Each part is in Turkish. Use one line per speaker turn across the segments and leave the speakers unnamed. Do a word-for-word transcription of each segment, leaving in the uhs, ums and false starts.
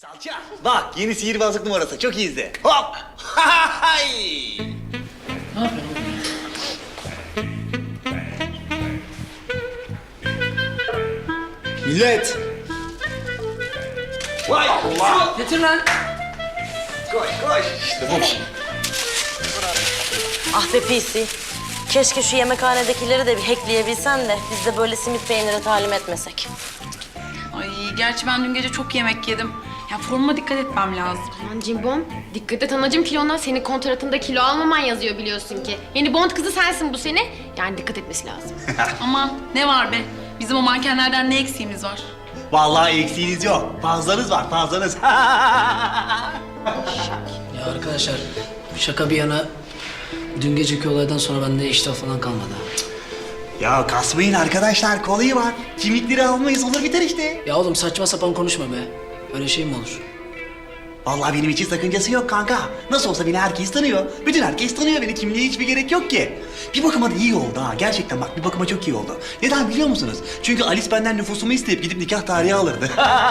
Salça. Bak yeni sihirbazlık numarası. Çok iyi izle. Hop. Hay.
Ne yapıyorsun?
Millet. Vay Allah.
Getir lan.
Koş koş. İşte bu.
Ah be pisi. Keşke şu yemekhanedekileri de bir hackleyebilsen de biz de böyle simit peyniri talim etmesek.
Ay gerçi ben dün gece çok yemek yedim. Ya formuma dikkat etmem lazım.
Aman Cimbom, dikkat et anacığım kilona. Senin kontratında kilo almaman yazıyor biliyorsun ki. Yeni Bond kızı sensin bu sene. Yani dikkat etmesi lazım.
Aman ne var be? Bizim o mankenlerden ne eksiğimiz var?
Vallahi eksiğiniz yok. Fazlanız var fazlanız.
Ya arkadaşlar şaka bir yana dün geceki olaydan sonra bende iştah falan kalmadı.
Ya kasmayın arkadaşlar. Kolayı var. Kimlikleri almayız olur biter işte.
Ya oğlum saçma sapan konuşma be. Öyle şey mi olur?
Vallahi benim için sakıncası yok kanka. Nasıl olsa beni herkes tanıyor. Bütün herkes tanıyor beni. Kimliğe hiçbir gerek yok ki. Bir bakıma da iyi oldu ha. Gerçekten bak bir bakıma çok iyi oldu. Neden biliyor musunuz? Çünkü Alice benden nüfusumu isteyip gidip nikah tarihi alırdı.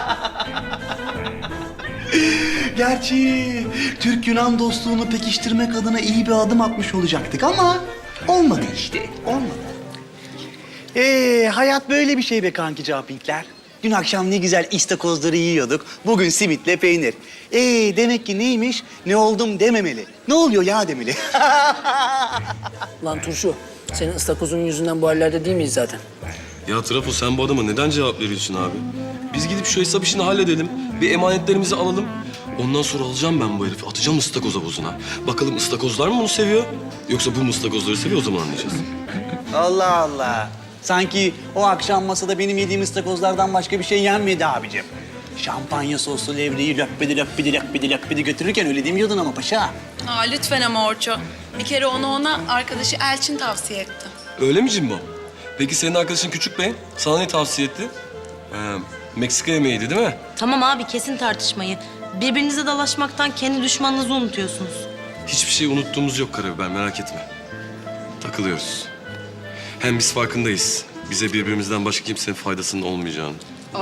Gerçi Türk-Yunan dostluğunu pekiştirmek adına iyi bir adım atmış olacaktık ama olmadı işte. Olmadı. Ee, hayat böyle bir şey be kanki Capinkler. Dün akşam ne güzel istakozları yiyorduk. Bugün simitle peynir. Ee, demek ki neymiş? Ne oldum dememeli. Ne oluyor ya demeli.
Lan turşu, senin ıstakozun yüzünden bu hallerde değil miyiz zaten?
Ya Trafo sen bu adama neden cevap veriyorsun abi? Biz gidip şu hesap işini halledelim. Bir emanetlerimizi alalım. Ondan sonra alacağım ben bu herifi. Atacağım ıstakoz havuzuna. Bakalım ıstakozlar mı bunu seviyor? Yoksa bu mu ıstakozları seviyor, o zaman anlayacağız.
Allah Allah. Sanki o akşam masada benim yediğim ıstakozlardan başka bir şey yenmedi abicim. Şampanya soslu levreyi löppedi löppedi löppedi löppedi götürürken öyle demiyordun ama paşa.
Aa lütfen ama Orço. Bir kere onu ona arkadaşı Elçin tavsiye etti.
Öyle mi Cimbo? Peki senin arkadaşın Küçük Bey sana ne tavsiye etti? Ee, Meksika yemeğiydi değil mi?
Tamam abi kesin tartışmayı. Birbirinize dalaşmaktan kendi düşmanınızı unutuyorsunuz.
Hiçbir şey unuttuğumuz yok Karabiber, merak etme. Takılıyoruz. Hem biz farkındayız. Bize birbirimizden başka kimsenin faydasının olmayacağını.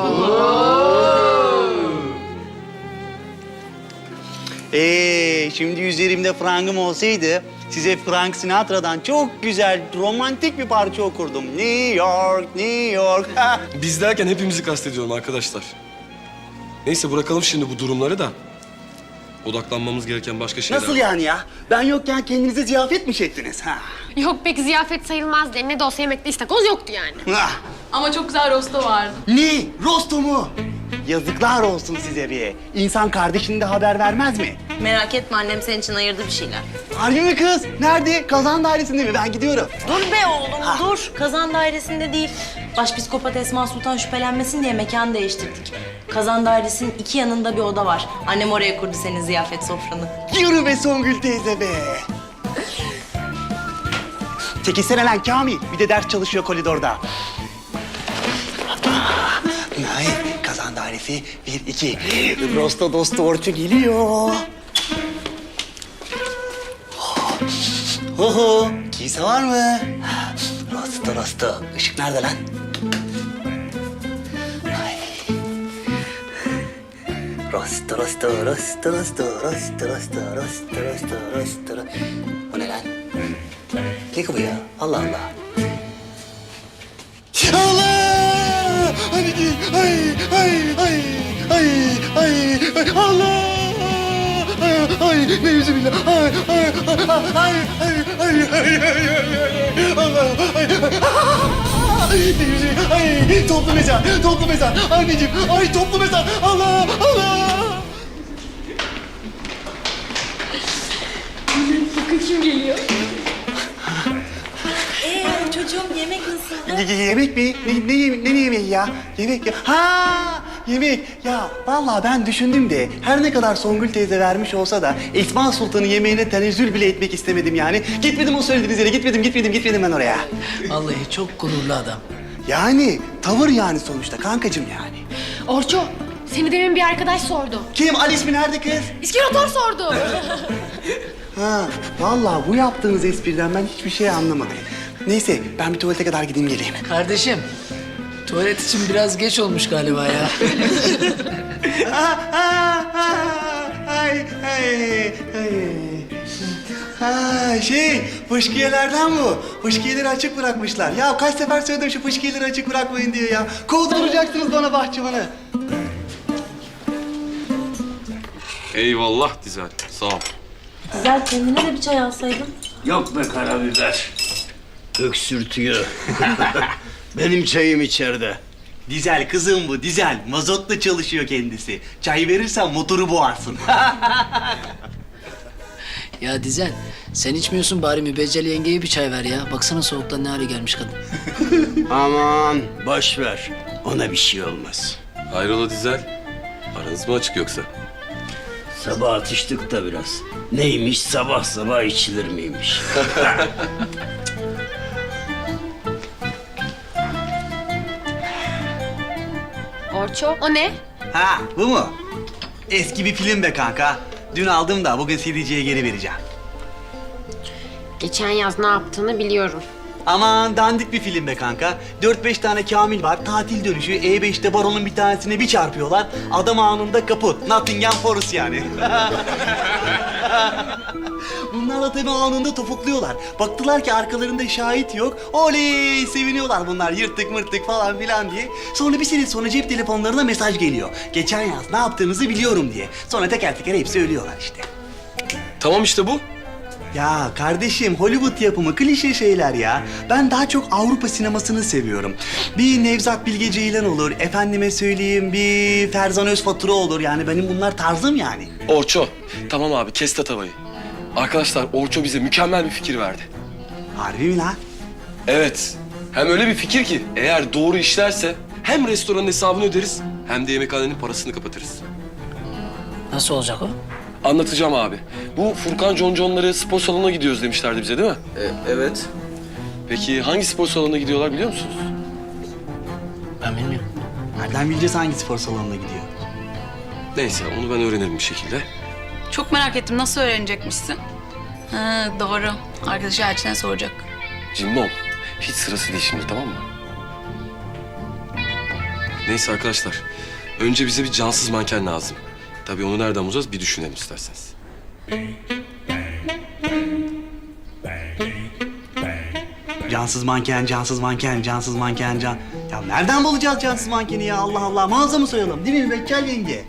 Ee, şimdi üzerimde frangım olsaydı size Frank Sinatra'dan çok güzel romantik bir parça okurdum. New York, New York.
Biz derken hepimizi kastediyorum arkadaşlar. Neyse bırakalım şimdi bu durumları da. Odaklanmamız gereken başka şeyler
Nasıl
var.
yani ya? Ben yokken kendinize ziyafet mi çektiniz? Ha.
Yok pek ziyafet sayılmaz de ne de olsa yemekte istakoz yoktu yani.
Ah,
Ama çok güzel rosto vardı.
ne? Rosto mu? Yazıklar olsun size bir. İnsan kardeşine de haber vermez mi?
Merak etme annem senin için ayırdı bir şeyler.
Harbi mi kız? Nerede? Kazan dairesinde mi? Ben gidiyorum.
Dur be oğlum dur. Kazan dairesinde değil. Başpiskopat Esma Sultan şüphelenmesin diye mekan değiştirdik. Kazan dairesinin iki yanında bir oda var. Annem oraya kurdu senin ziyafet sofranı.
Yürü be Songül teyze be. Çekilsene lan Kamil. Bir de ders çalışıyor koridorda. Ay, kazan dairesi bir, iki. Rosto dostu Orçu geliyor. Ho ho, kimse var mı? Rosto rosto. Işık nerede lan? Ay. Rosto rosto rosto rosto rosto rosto rosto rosto rosto. Bu ne lan? Ne ki bu ya? Allah Allah. Allah! Anneciğim, ay, ay, ay, ay, ay, ay, Allah! Ay, ay, ne yüzü billah, ay, ay, ay, ay, ay, ay, ay, ay, ay, Allah, ay, ay, ne yüzü, ay, toplu mezar, toplu mezar, anneciğim, ay, toplu mezar, Allah, Allah!
Ee çocuğum yemek nasıl?
Y- yemek mi? Ne, ne, yeme- ne, ne yemeği ya? Yemek ya. Ha! Yemek. Ya vallahi ben düşündüm de her ne kadar Songül teyze vermiş olsa da Esma Sultan'ın yemeğine tenezzül bile etmek istemedim yani. Gitmedim o söylediğiniz yere. Gitmedim, gitmedim, gitmedim ben oraya.
Vallahi çok gururlu adam.
Yani tavır yani sonuçta kankacığım yani.
Orço, seni demin bir arkadaş sordu.
Kim? Alice mi? Nerede kız?
İskeletor sordu.
Ha, vallahi bu yaptığınız espriden ben hiçbir şey anlamadım. Neyse ben bir tuvalete kadar gideyim geleyim.
Kardeşim, tuvalet için biraz geç olmuş galiba ya.
Ha, ha, Ha şey, fışkiyelerden bu. Fışkiyeleri açık bırakmışlar. Ya kaç sefer söyledim şu fışkiyeleri açık bırakmayın diye ya. Kovduracaksınız bana bahçıvanı.
Eyvallah Dizel. Sağ ol.
Güzel, kendine de bir çay alsaydın.
Yok be karabiber. Öksürtüyor. Benim çayım içeride.
Dizel kızım bu, dizel. Mazotla çalışıyor kendisi. Çay verirsen motoru boğarsın.
Ya Dizel, sen içmiyorsun bari Mübeccel yengeye bir çay ver ya. Baksana soğuktan ne hale gelmiş kadın.
Aman boş ver. Ona bir şey olmaz.
Hayrola Dizel? Aranız mı açık yoksa?
Sabah atıştık da biraz. Neymiş sabah sabah içilir miymiş?
Orço, o ne?
Ha, bu mu? Eski bir film be kanka. Dün aldım da bugün C D'ciye geri vereceğim.
Geçen yaz ne yaptığını biliyorum.
Aman dandik bir film be kanka. Dört beş tane Kamil var. Tatil dönüşü E beşte baronun bir tanesine bir çarpıyorlar. Adam anında kaput. Nottingham Forest yani. Bunlar da tabii anında topukluyorlar. Baktılar ki arkalarında şahit yok. Oley! Seviniyorlar bunlar yırttık mırttık falan filan diye. Sonra bir sene sonra cep telefonlarına mesaj geliyor. Geçen yaz ne yaptığınızı biliyorum diye. Sonra teker teker hepsi ölüyorlar işte.
Tamam işte bu.
Ya kardeşim Hollywood yapımı klişe şeyler ya. Ben daha çok Avrupa sinemasını seviyorum. Bir Nevzat Bilge Ceylan olur, efendime söyleyeyim bir Ferzan Özfatura olur. Yani benim bunlar tarzım yani.
Orço. Tamam abi kes tatavayı. Arkadaşlar Orço bize mükemmel bir fikir verdi.
Harbi mi lan?
Evet. Hem öyle bir fikir ki eğer doğru işlerse hem restoranın hesabını öderiz hem de yemekhanenin parasını kapatırız.
Nasıl olacak o?
Anlatacağım abi. Bu Furkan Conconları spor salonuna gidiyoruz demişlerdi bize değil mi?
evet.
Peki hangi spor salonuna gidiyorlar biliyor musunuz?
Ben bilmiyorum.
Nereden bileceğiz hangi spor salonuna gidiyor?
Neyse onu ben öğrenirim bir şekilde.
Çok merak ettim. Nasıl öğrenecekmişsin? Ha, doğru. Arkadaşı Elçin'e soracak.
Cimbom, hiç sırası değil şimdi tamam mı? Neyse arkadaşlar, önce bize bir cansız manken lazım. Tabii onu nereden bulacağız bir düşünelim isterseniz.
Cansız manken, cansız manken, cansız manken, can... Ya nereden bulacağız cansız mankeni ya Allah Allah? Mağaza mı soyalım değil mi Mübeccel yenge?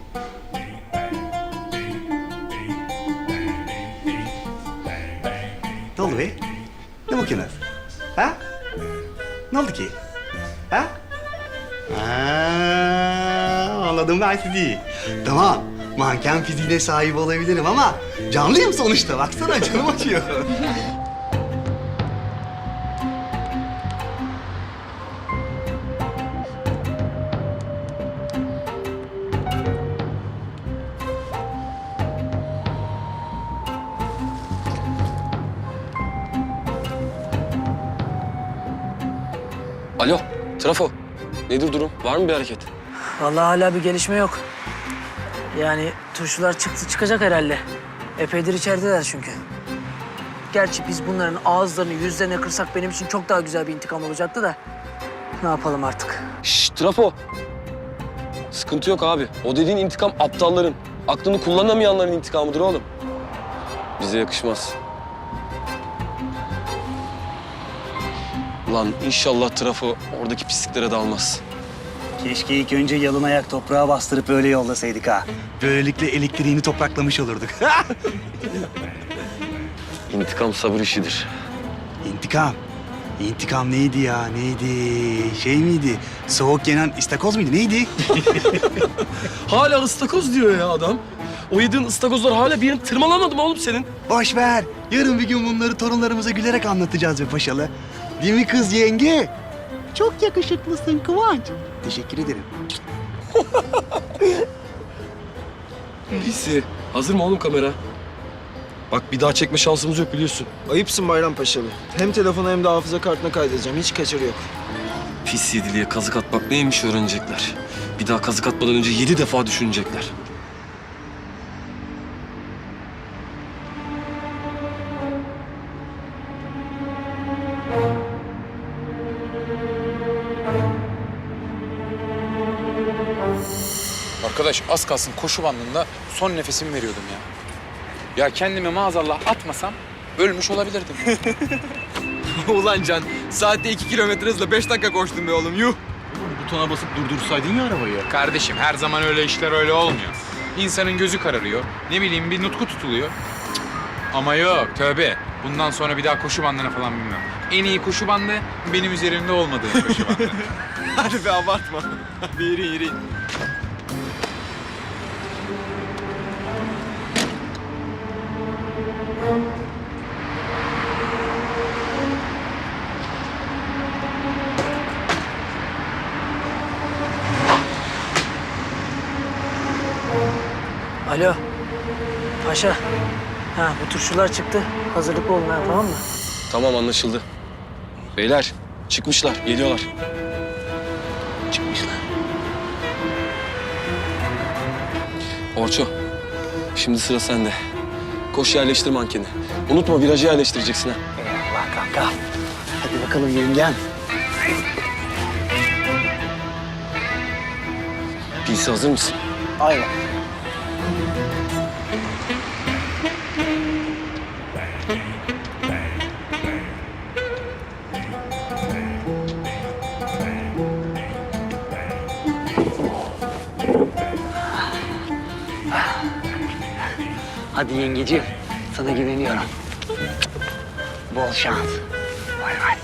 Ne oldu be? Ne bakıyorsun? Ha? Ne oldu ki? Ha? Ha, anladım ben sizi. Tamam, manken fiziğine sahip olabilirim ama canlıyım sonuçta. Baksana canım acıyor.
Alo, Trafo. Nedir durum? Var mı bir hareket?
Vallahi hala bir gelişme yok. Yani turşular çıktı çıkacak herhalde. Epeydir içerideler çünkü. Gerçi biz bunların ağızlarını yüzlerine kırsak benim için çok daha güzel bir intikam olacaktı da. Ne yapalım artık?
Şşş Trafo. Sıkıntı yok abi. O dediğin intikam aptalların, aklını kullanamayanların intikamıdır oğlum. Bize yakışmaz. Lan inşallah Trafo oradaki pisliklere dalmaz.
Keşke ilk önce yalın ayak toprağa bastırıp öyle yollasaydık ha. Böylelikle elektriğini topraklamış olurduk.
İntikam sabır işidir.
İntikam. İntikam neydi ya? Neydi? Şey miydi? Soğuk yenen istakoz muydu? Neydi?
Hala ıstakoz diyor ya adam. O yediğin ıstakozlar hala bir yerini tırmalamadı mı oğlum senin?
Boş ver. Yarın bir gün bunları torunlarımıza gülerek anlatacağız be paşalı. Değil mi kız yenge? Çok yakışıklısın Kıvanç. Teşekkür ederim.
Neyse. Hazır mı oğlum kamera? Bak bir daha çekme şansımız yok biliyorsun.
Ayıpsın Bayrampaşalı. Hem telefona hem de hafıza kartına kaydedeceğim. Hiç kaçarı yok.
Pis yediliye kazık atmak neymiş öğrenecekler. Bir daha kazık atmadan önce yedi defa düşünecekler.
Arkadaş az kalsın koşu bandında son nefesimi veriyordum ya. Ya kendimi maazallah atmasam ölmüş olabilirdim.
Ulan Can, saatte iki kilometre hızla beş dakika koştum be oğlum, yuh!
Butona basıp durdursaydın ya arabayı.
Kardeşim her zaman öyle işler öyle olmuyor. İnsanın gözü kararıyor. Ne bileyim bir nutku tutuluyor. Cık. Ama yok tövbe. Bundan sonra bir daha koşu bandına falan bilmem. En iyi koşu bandı benim üzerimde olmadığım koşu bandı.
Hadi be abartma. Hadi yürü yürü.
Alo. Paşa. Ha bu turşular çıktı. Hazırlıklı olun ha, tamam mı?
Tamam anlaşıldı. Beyler çıkmışlar, geliyorlar. Çıkmışlar. Orço, şimdi sıra sende. Koş yerleştir mankeni. Unutma virajı yerleştireceksin ha.
Eyvallah kanka. Hadi bakalım yengem.
P C hazır mısın?
Aynen. Hadi yengeciğim, sana güveniyorum. Bol şans. Vay vay.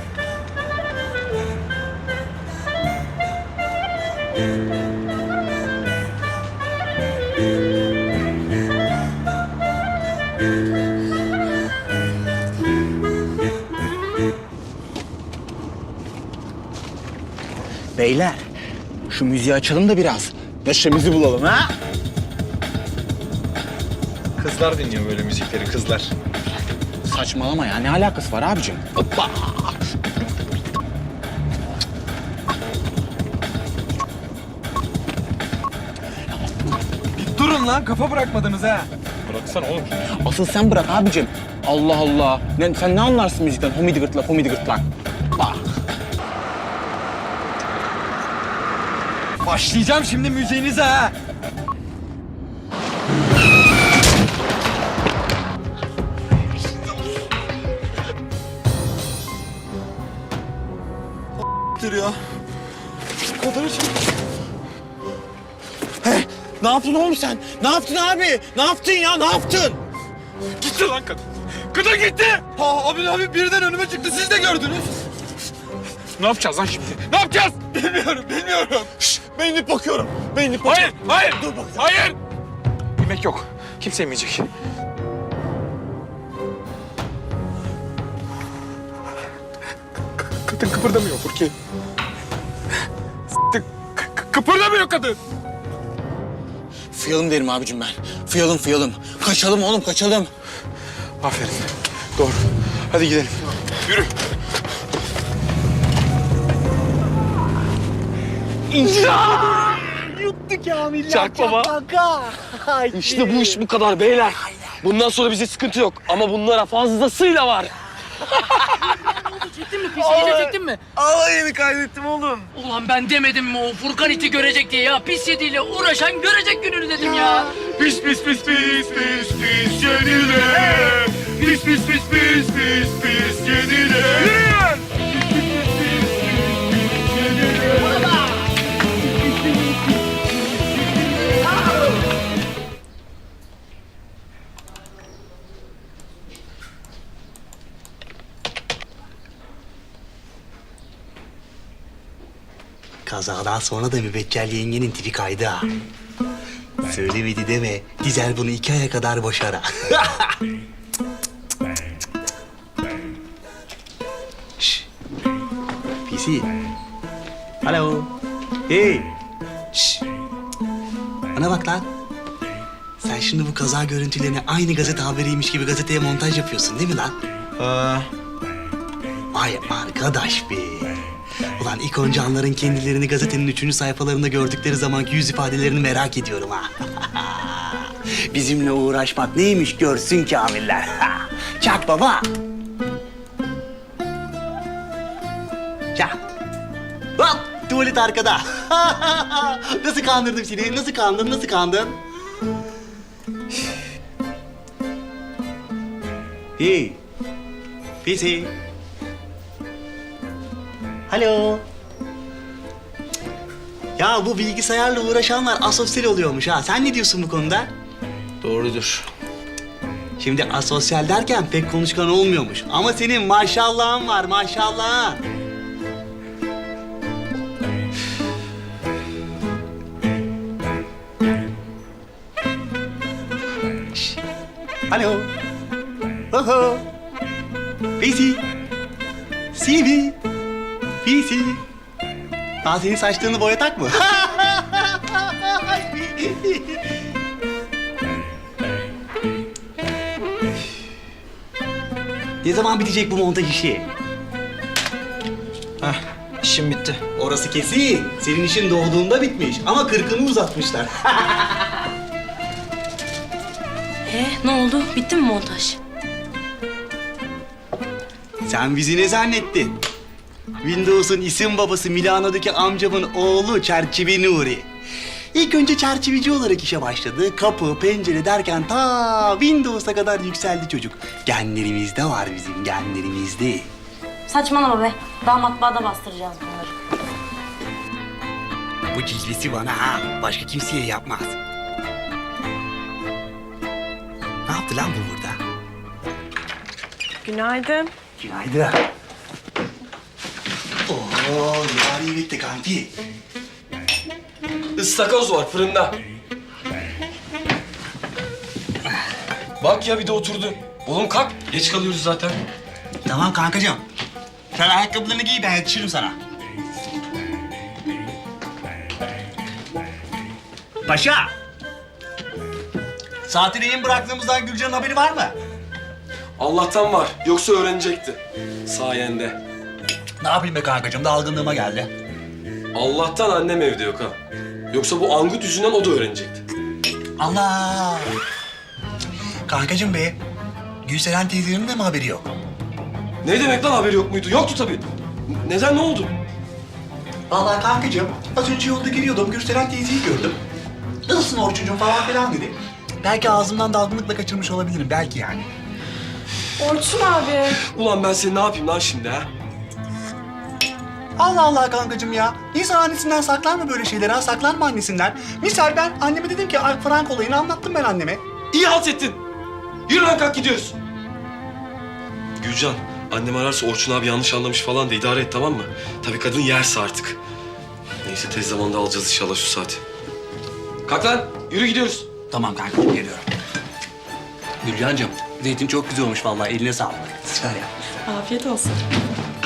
Beyler, şu müziği açalım da biraz. Neşemizi bulalım ha?
Kızlar dinliyor böyle müzikleri, kızlar.
Saçmalama ya, ne alakası var abicim? Hoppa!
Durun lan, kafa bırakmadınız ha.
Bıraksana oğlum.
Asıl sen bırak abicim. Allah Allah. Ne, sen ne anlarsın müzikten? Homidi gırtlak, homidi gırtlak. Bak.
Başlayacağım şimdi müziğinize ha.
Dur ya. Bu kadar için. He, ne yaptın oğlum sen? Ne yaptın abi? Ne yaptın ya? Ne yaptın?
Gitti lan kadın. Kadın gitti. Ha, abi abi birden önüme çıktı, siz de gördünüz.
Ne yapacağız lan şimdi? Ne yapacağız?
Bilmiyorum, bilmiyorum. Şş, ben inip bakıyorum. Ben inip bakıyorum.
Hayır, hayır.
Dur bak.
Hayır. Yemek yok. Kimse yemeyecek. Kadın kıpırdamıyor Furki. S**tik. K- k- Kıpırdamıyor kadın.
Fıyalım derim abicim ben. Fıyalım, fıyalım. Kaçalım oğlum, kaçalım.
Aferin. Doğru. Hadi gidelim. Yürü.
Yuttu Kamil ya.
Çak baba.
Kanka.
İşte bu iş bu kadar beyler. Bundan sonra bize sıkıntı yok. Ama bunlara fazlasıyla var.
Çektin mi? Pis iyice çektin mi?
Alayını kaydettim oğlum.
Ulan ben demedim mi o Furkan iti görecek diye ya. Pis yediyle uğraşan görecek gününü dedim ya.
Pis pis pis pis pis pis yenile. Pis pis pis pis pis pis yenile.
Kazadan sonra da mübeccel yengenin tipi kaydı ha. Söylemedi deme. Güzel bunu iki aya kadar boşar ha. Şşş. P C. Hello. Hey. Şşş. Bana bak lan. Sen şimdi bu kaza görüntülerini aynı gazete haberiymiş gibi gazeteye montaj yapıyorsun değil mi lan?
Aa,
Vay arkadaş be. Ulan ilk önce anların kendilerini gazetenin üçüncü sayfalarında gördükleri zamanki yüz ifadelerini merak ediyorum ha. Bizimle uğraşmak neymiş görsün Kamiller. Çak baba. Çak. Hop tuvalet arkada. Nasıl kandırdım seni? Nasıl kandın? Nasıl kandın?
Hey. Pisi. Alo. Ya bu bilgisayarla uğraşanlar asosyal oluyormuş ha. Sen ne diyorsun bu konuda?
Doğrudur.
Şimdi asosyal derken pek konuşkan olmuyormuş. Ama senin maşallahın var, maşallah. Şş. Alo. Oho. Pisi. Sivi. Pisi. Daha senin saçlarını boyatak mı? Ne zaman bitecek bu montaj işi?
Heh, işim bitti.
Orası kesin. Senin işin doğduğunda bitmiş ama kırkını uzatmışlar.
Ee, ne oldu? Bitti mi montaj?
Sen bizi ne zannettin? Windows'un isim babası Milano'daki amcamın oğlu Çerçeve Nuri. İlk önce çerçeveci olarak işe başladı. Kapı, pencere derken ta Windows'a kadar yükseldi çocuk. Genlerimizde var bizim, genlerimizde.
Saçmalama be. Daha matbaada bastıracağız bunları.
Bu cilvesi bana ha, başka kimseye yapmaz. Ne yaptı lan bu burada?
Günaydın.
Günaydın. Oo, yari bitti kanki.
Istakoz var fırında. Bak ya bir de oturdu. Oğlum kalk. Geç kalıyoruz zaten.
Tamam kankacığım. Sen ayakkabılarını giy, ben yetişirim sana. Paşa! Saati rehin bıraktığımızdan Gülcan'ın haberi var mı?
Allah'tan var. Yoksa öğrenecekti. Sayende.
Ne yapayım be kankacığım, dalgınlığıma geldi.
Allah'tan annem evde yok ha. Yoksa bu angut yüzünden o da öğrenecekti.
Allah! Kankacığım be, Gülseren teyzenin de mi haberi yok?
Ne demek lan haberi yok muydu? Yoktu tabii. Neden, ne oldu?
Vallahi kankacığım, az önce yolda geliyordum, Gülseren teyzeyi gördüm. Nasılsın Orçuncuğum falan filan dedi. Belki ağzımdan dalgınlıkla kaçırmış olabilirim, belki yani.
Orçun abi.
Ulan ben seni ne yapayım lan şimdi ha?
Allah Allah kankacığım ya. İnsan annesinden saklar mı böyle şeyleri ha? Saklanma annesinden. Misal ben anneme dedim ki ay, Frank olayını anlattım ben anneme.
İyi halt ettin. Yürü lan kalk gidiyoruz. Gülcan, annem ararsa Orçun abi yanlış anlamış falan da idare et tamam mı? Tabii kadın yerse artık. Neyse tez zamanda alacağız inşallah şu saati. Kalk lan, yürü gidiyoruz.
Tamam kankacığım geliyorum. Gülcancığım, zeytin çok güzel olmuş vallahi, eline sağlık. Süper yapmışsın.
Afiyet olsun.